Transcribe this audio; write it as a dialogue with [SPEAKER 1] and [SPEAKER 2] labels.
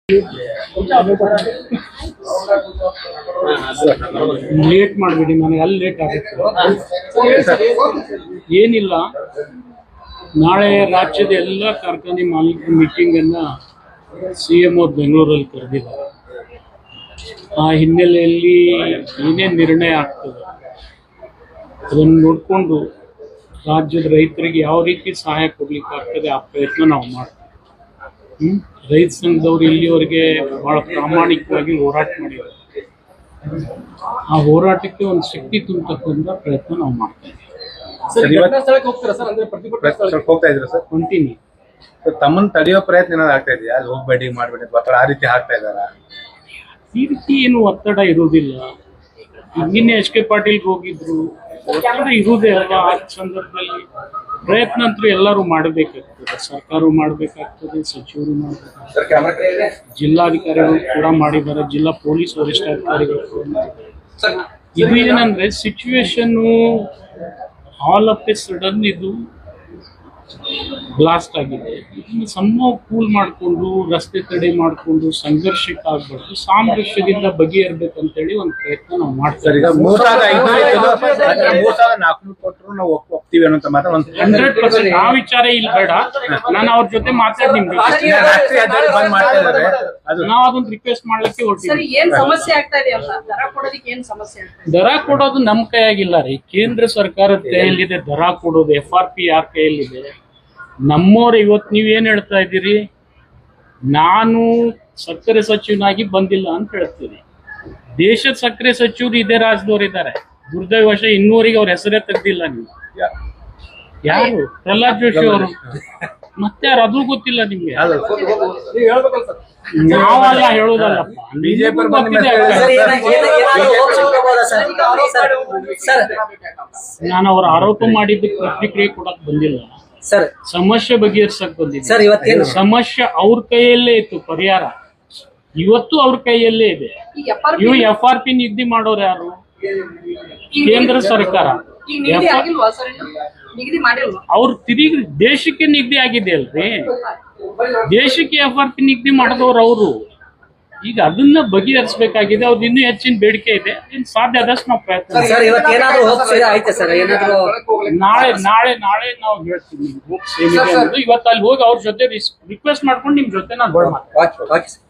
[SPEAKER 1] Late ಮಾಡಬೇಡಿ, ನನಗೆ ಅಲ್ಲಿ ಲೇಟ್ ಆಗುತ್ತೆ. ಏನಿಲ್ಲ, ನಾಳೆ ರಾಜ್ಯದ ಎಲ್ಲ ಕಾರ್ಖಾನೆ ಮಾಲೀಕರ ಮೀಟಿಂಗ್ ಅನ್ನ CM ಬೆಂಗಳೂರಲ್ಲಿ ಕರೆದಿದ್ದಾರೆ. ಆ ಹಿನ್ನೆಲೆಯಲ್ಲಿ ಏನೇನು ನಿರ್ಣಯ ಆಗ್ತದೆ ಅದನ್ನು ನೋಡಿಕೊಂಡು ರಾಜ್ಯದ ರೈತರಿಗೆ ಯಾವ ರೀತಿ ಸಹಾಯ ಕೊಡ್ಲಿಕ್ಕೆ ಆಗ್ತದೆ ಆ ಪ್ರಯತ್ನ ನಾವು ಮಾಡ್ತೀವಿ. ರೈತ ಸಂಘದವರು ಇಲ್ಲಿವರೆಗೆ ಬಹಳ ಪ್ರಾಮಾಣಿಕವಾಗಿ ಹೋರಾಟ ಮಾಡಿದ್ದಾರೆ. ಆ ಹೋರಾಟಕ್ಕೆ ಒಂದು ಶಕ್ತಿ ತುಂಬತಕ್ಕಂಥ ಪ್ರಯತ್ನ ನಾವು ಮಾಡ್ತಾ
[SPEAKER 2] ಇದ್ದೀವಿ.
[SPEAKER 1] ಕಂಟಿನ್ಯೂ
[SPEAKER 2] ತಮ್ಮನ್ನ ತಡೆಯೋ ಪ್ರಯತ್ನ ಏನಾದ್ರು ಆಗ್ತಾ ಇದೆಯಾ? ಅಲ್ಲಿ ಹೋಗ್ಬೇಡಿ ಮಾಡ್ಬೇಡಿ ಆ ರೀತಿ ಆಗ್ತಾ ಇದಾರ?
[SPEAKER 1] ಈ ರೀತಿ ಏನು ಒತ್ತಡ ಇರುವುದಿಲ್ಲ. ನಿನ್ನೆ HK ಪಾಟೀಲ್ಗೆ ಹೋಗಿದ್ರು, ಒತ್ತಡ ಇರುವುದೇ ಅಲ್ಲ. ಆ ಸಂದರ್ಭದಲ್ಲಿ ಪ್ರಯತ್ನ ಅಂತೂ ಎಲ್ಲರೂ ಮಾಡಬೇಕಾಗ್ತದೆ. ಸರ್ಕಾರವು ಮಾಡಬೇಕಾಗ್ತದೆ, ಸಚಿವರು ಮಾಡಬೇಕಾಗ್ತದೆ, ಜಿಲ್ಲಾಧಿಕಾರಿಗಳು ಕೂಡ ಮಾಡಿದ್ದಾರೆ, ಜಿಲ್ಲಾ ಪೊಲೀಸ್ ವರಿಷ್ಠಾಧಿಕಾರಿಗಳು ಕೂಡ ಮಾಡಿದ್ದಾರೆ. ಇದು ಏನಂದ್ರೆ situation all of a sudden ಇದು ಬ್ಲಾಸ್ಟ್ ಆಗಿದೆ. ಇದನ್ನು ಸಮ ಕೂಲ್ ಮಾಡಿಕೊಂಡು ರಸ್ತೆ ತಡೆ ಮಾಡಿಕೊಂಡು ಸಂಘರ್ಷಕ್ಕೆ ಆಗ್ಬಾರ್ದು, ಸಾಮರಸ್ಯದಿಂದ ಬಗೆಹರ್ಬೇಕಂತೇಳಿ ಒಂದು ಪ್ರಯತ್ನ ನಾವು ಮಾಡ್ತೀವಿ. 100% ಆ ವಿಚಾರ ಇಲ್ಲಿ ಬೇಡ. ನಾನು ಅವ್ರ ಜೊತೆ ಮಾತಾಡಿ ನಾವು ಅದೊಂದು ರಿಕ್ವೆಸ್ಟ್ ಮಾಡ್ಲಿಕ್ಕೆ ಹೊರಟಿದ್ದೀವಿ. ದರ ಕೊಡೋದು ನಮ್ಮ ಕೈಯಾಗಿಲ್ಲ ರೀ, ಕೇಂದ್ರ ಸರ್ಕಾರದ ಕೈಯಲ್ಲಿದೆ ದರ ಕೊಡೋದು. FRP ಯಾರ ಕೈಯಲ್ಲಿದೆ? ನಮ್ಮವ್ರು ಇವತ್ತು ನೀವೇನ್ ಹೇಳ್ತಾ ಇದ್ದೀರಿ, ನಾನು ಸಕ್ಕರೆ ಸಚಿವನಾಗಿ ಬಂದಿಲ್ಲ ಅಂತ ಹೇಳ್ತೀರಿ. ದೇಶದ ಸಕ್ಕರೆ ಸಚಿವರು ಇದೇ ರಾಜ್ಯದವ್ರು ಇದ್ದಾರೆ. ದುರ್ದೈವಶ ಇನ್ನೂವರೆಗೆ ಅವ್ರ ಹೆಸರೇ ತೆಗ್ದಿಲ್ಲ. ನೀವು ಯಾರು? ಪ್ರಹ್ಲಾದ್ ಜೋಶಿ ಅವರು. ಮತ್ತೆ ಯಾರು? ಅದು ಗೊತ್ತಿಲ್ಲ ನಿಮ್ಗೆ? ನಾವೆಲ್ಲ ಹೇಳೋದಲ್ಲಪ್ಪ, ನಾನು ಅವ್ರ ಆರೋಪ ಮಾಡಿದ್ದಕ್ಕೆ ಪ್ರತಿಕ್ರಿಯೆ ಕೊಡಕ್ ಬಂದಿಲ್ಲ. ಸಮಸ್ಯೆ ಬಗೆಹರಿಸಕ್ ಬಂದಿದೆ. ಸಮಸ್ಯೆ ಅವ್ರ ಕೈಯಲ್ಲೇ ಇತ್ತು, ಪರಿಹಾರ ಇವತ್ತು ಅವ್ರ ಕೈಯಲ್ಲೇ ಇದೆ. ಇವು FRP ನಿಗದಿ ಮಾಡೋರು ಯಾರು? ಕೇಂದ್ರ ಸರ್ಕಾರ. ಅವ್ರು ತಿರುಗಿ ದೇಶಕ್ಕೆ ನಿಗದಿ ಆಗಿದೆ ಅಲ್ರಿ, ದೇಶಕ್ಕೆ FRP ನಿಗದಿ ಮಾಡಿದವ್ರು ಅವರು. ಈಗ ಅದನ್ನ ಬಗೆಹರಿಸಬೇಕಾಗಿದೆ. ಅವ್ರದ್ದು ಇನ್ನೂ ಹೆಚ್ಚಿನ ಬೇಡಿಕೆ ಇದೆ. ಇನ್ನು ಸಾಧ್ಯ ಆದಷ್ಟು ನಾವು ಪ್ರಯತ್ನ ನಾಳೆ ನಾವು ಹೇಳ್ತೀವಿ. ಇವತ್ತು ಅಲ್ಲಿ ಹೋಗಿ ಅವ್ರ ಜೊತೆ ರಿಕ್ವೆಸ್ಟ್ ಮಾಡ್ಕೊಂಡು ನಿಮ್ ಜೊತೆ ನಾನು